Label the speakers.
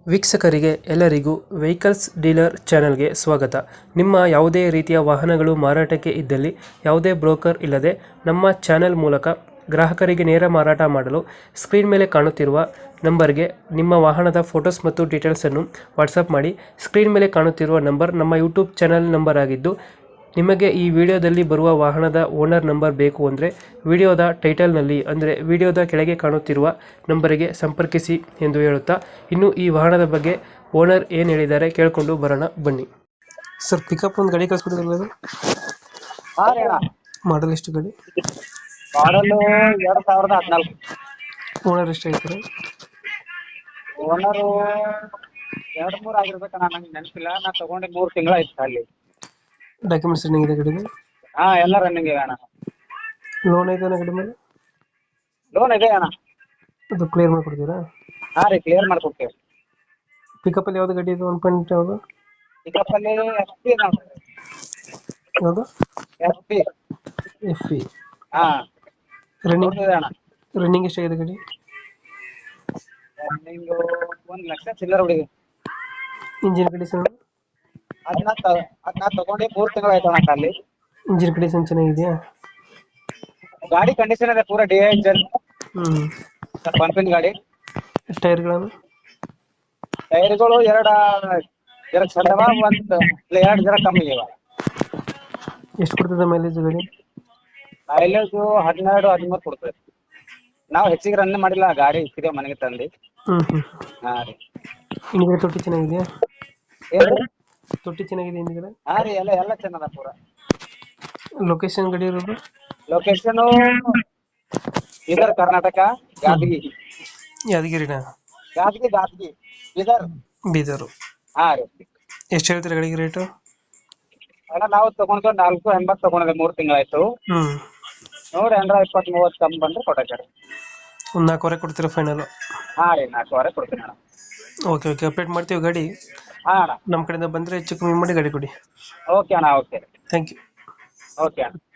Speaker 1: ವೀಕ್ಷಕರಿಗೆ ಎಲ್ಲರಿಗೂ vehicles dealer ಚಾನೆಲ್ಗೆ ಸ್ವಾಗತ. ನಿಮ್ಮ ಯಾವುದೇ ರೀತಿಯ ವಾಹನಗಳು ಮಾರಾಟಕ್ಕೆ ಇದ್ದಲ್ಲಿ ಯಾವುದೇ ಬ್ರೋಕರ್ ಇಲ್ಲದೆ ನಮ್ಮ ಚಾನೆಲ್ ಮೂಲಕ ಗ್ರಾಹಕರಿಗೆ ನೇರ ಮಾರಾಟ ಮಾಡಲು ಸ್ಕ್ರೀನ್ ಮೇಲೆ ಕಾಣುತ್ತಿರುವ ನಂಬರ್ಗೆ ನಿಮ್ಮ ವಾಹನದ ಫೋಟೋಸ್ ಮತ್ತು ಡೀಟೇಲ್ಸನ್ನು ವಾಟ್ಸಪ್ ಮಾಡಿ. ಸ್ಕ್ರೀನ್ ಮೇಲೆ ಕಾಣುತ್ತಿರುವ ನಂಬರ್ ನಮ್ಮ ಯೂಟ್ಯೂಬ್ ಚಾನೆಲ್ ನಂಬರ್ ಆಗಿದ್ದು, ನಿಮಗೆ ಈ ವಿಡಿಯೋದಲ್ಲಿ ಬರುವ ವಾಹನದ ಓನರ್ ನಂಬರ್ ಬೇಕು ಅಂದರೆ ವಿಡಿಯೋದ ಟೈಟಲ್ನಲ್ಲಿ ಅಂದರೆ ವಿಡಿಯೋದ ಕೆಳಗೆ ಕಾಣುತ್ತಿರುವ ನಂಬರಿಗೆ ಸಂಪರ್ಕಿಸಿ ಎಂದು ಹೇಳುತ್ತಾ, ಇನ್ನು ಈ ವಾಹನದ ಬಗ್ಗೆ ಓನರ್ ಏನು ಹೇಳಿದ್ದಾರೆ ಕೇಳಿಕೊಂಡು ಬರೋಣ ಬನ್ನಿ. ಸರ್, ಪಿಕಪ್ ಒಂದು ಗಾಡಿ ಕಳಿಸ್ಬಿಟ್ಟಿದ್ರಲ್ಲ,
Speaker 2: ಹಾ ರೀ ಅಣ್ಣ.
Speaker 1: ಮಾಡಲ್ ಎಷ್ಟು ಗಾಡಿ?
Speaker 2: ಮಾಡಲು 2014.
Speaker 1: ಓನರ್ ಎಷ್ಟು ಹೇಳ್ತಾರೆ?
Speaker 2: ಓನರು 2-3 ಆಗಿರ್ಬೇಕಣ್ಣ, ನಂಗೆ ನೆನಪಿಲ್ಲ. ನಾ ತಗೊಂಡು 3 ತಿಂಗಳಾಯ್ತು ಅಲ್ಲಿ.
Speaker 1: ಡಾಕ್ಯುಮೆಂಟ್ಸ್ ರನ್ನಿಂಗ್ ಇದೆ ಗಾಡಿಗೆ?
Speaker 2: ಹಾ, ಎಲ್ಲ ರನ್ನಿಂಗ್ ಇದೆ ಅಣ್ಣ.
Speaker 1: ಲೋನ್ ಐತೆ ಗಾಡಿ ಮೇಲೆ?
Speaker 2: ಲೋನ್ ಇದೆ ಅಣ್ಣ.
Speaker 1: ಅದು ಕ್ಲಿಯರ್ ಮಾಡಿಕೊಡ್ತೀರಾ?
Speaker 2: ಹಾ ರೀ, ಕ್ಲಿಯರ್ ಮಾಡ್ಕೊಡ್ತೇವೆ.
Speaker 1: ಪಿಕಪ್ಪಲ್ಲಿ ಯಾವುದು ಗಾಡಿ ಇದು? 1.8 ಯಾವುದು?
Speaker 2: ಪಿಕಪ್ ಅಲ್ಲಿ SP
Speaker 1: ಯಾವುದು?
Speaker 2: SP.
Speaker 1: F E.
Speaker 2: ಹಾ,
Speaker 1: ರನ್ನಿಂಗ್
Speaker 2: ಇದೆ ಅಣ್ಣ.
Speaker 1: ರನ್ನಿಂಗ್ ಎಷ್ಟಾಗಿದೆ ಗಾಡಿ?
Speaker 2: ರನ್ನಿಂಗ್ 1 ಲಕ್ಷ ಚಿಲ್ಲರ್ ಹುಡುಗಿ.
Speaker 1: Engine condition?
Speaker 2: ಅದನ್ನ ತಗೊಂಡು 3 ತಿಂಗಳಾಯ್ತು ಅಣ್ಣ ಅಲ್ಲಿ.
Speaker 1: ಇಂಜಿನ್ ಕಂಡೀಷನ್ ಚೆನ್ನಾಗಿದೆಯಾ?
Speaker 2: ಗಾಡಿ ಕಂಡೀಷನ್ ಇದೆ, ಪೂರಾ DI ಇಂಜನ್, ಪಂಪಿನ ಗಾಡಿ.
Speaker 1: ಟೈರ್ಗಳನ್ನು?
Speaker 2: ಟೈರ್ಗಳು ಎರಡು ಚಂದವ, ಎರಡು ಜರ ಕಮ್ಮಿ ಇವ.
Speaker 1: ಎಷ್ಟು ಕೊಡ್ತದೆ ಮೈಲೇಜ್ ಗಾಡಿ?
Speaker 2: ಮೈಲೇಜ್ 12-13 ಕೊಡ್ತದೆ. ನಾವು ಹೆಚ್ಚಿಗೆ ರನ್ ಮಾಡಿಲ್ಲ, ಗಾಡಿ ಇಕ್ಕಿದೇವ್ ಮನೆಗೆ ತಂದು. ಹಾ ರೀ.
Speaker 1: ಹಿಂದ್ಗಡೆ ತೊಟ್ಟಿ ಚೆನ್ನಾಗಿದೆಯಾ?
Speaker 2: ಏನ್ರಿ?
Speaker 1: ತೊಟ್ಟಿ ಚೆನ್ನಾಗಿದೆ ಹಿಂದ್ಗಡೆ?
Speaker 2: ಹಾ ರೀ, ಎಲ್ಲ ಚೆನ್ನದ ಪೂರ.
Speaker 1: ಲೊಕೇಶನ್ ಗಾಡಿ ಇರೋದು?
Speaker 2: ಲೊಕೇಶನ್ ಬೀದರ್, ಕರ್ನಾಟಕ, ಗಾದಗಿ.
Speaker 1: ಯಾದಗಿರಿನಾ?
Speaker 2: ಗಾದಗಿ ಬೀದರ್.
Speaker 1: ಬೀದರು.
Speaker 2: ಹಾ ರೀ.
Speaker 1: ಎಷ್ಟು ಹೇಳ್ತೀರಾ ಗಾಡಿಗೆ ರೇಟು?
Speaker 2: ಅಣ್ಣ, ನಾವು ತಗೊಂಡು 480 ತಗೊಂಡಿದೆ, 3 ತಿಂಗಳಾಯ್ತು. ನೋಡಿ 20-30 ಕಮ್ಮಿ ಬಂದ್ರೆ ಕೊಟ್ಟಾರೆ.
Speaker 1: ಒಂದು 4,000 ಕೊಡ್ತೀರಾ ಫೈನಲ್?
Speaker 2: ಹಾ ರೀ, 4,000 ಕೊಡ್ತೀನಿ ಅಣ್ಣ.
Speaker 1: ಓಕೆ, ಅಪ್ಡೇಟ್ ಮಾಡ್ತೀವಿ ಗಾಡಿ.
Speaker 2: ಹಾ ಅಣ್ಣ.
Speaker 1: ನಮ್ಮ ಕಡೆಯಿಂದ ಬಂದರೆ ಹೆಚ್ಚು ಕಮ್ಮಿ ಮಾಡಿ ಗಾಡಿ ಕೊಡಿ.
Speaker 2: ಓಕೆ ಅಣ್ಣ, ಓಕೆ.
Speaker 1: Thank you.
Speaker 2: ಓಕೆ ಅಣ್ಣ.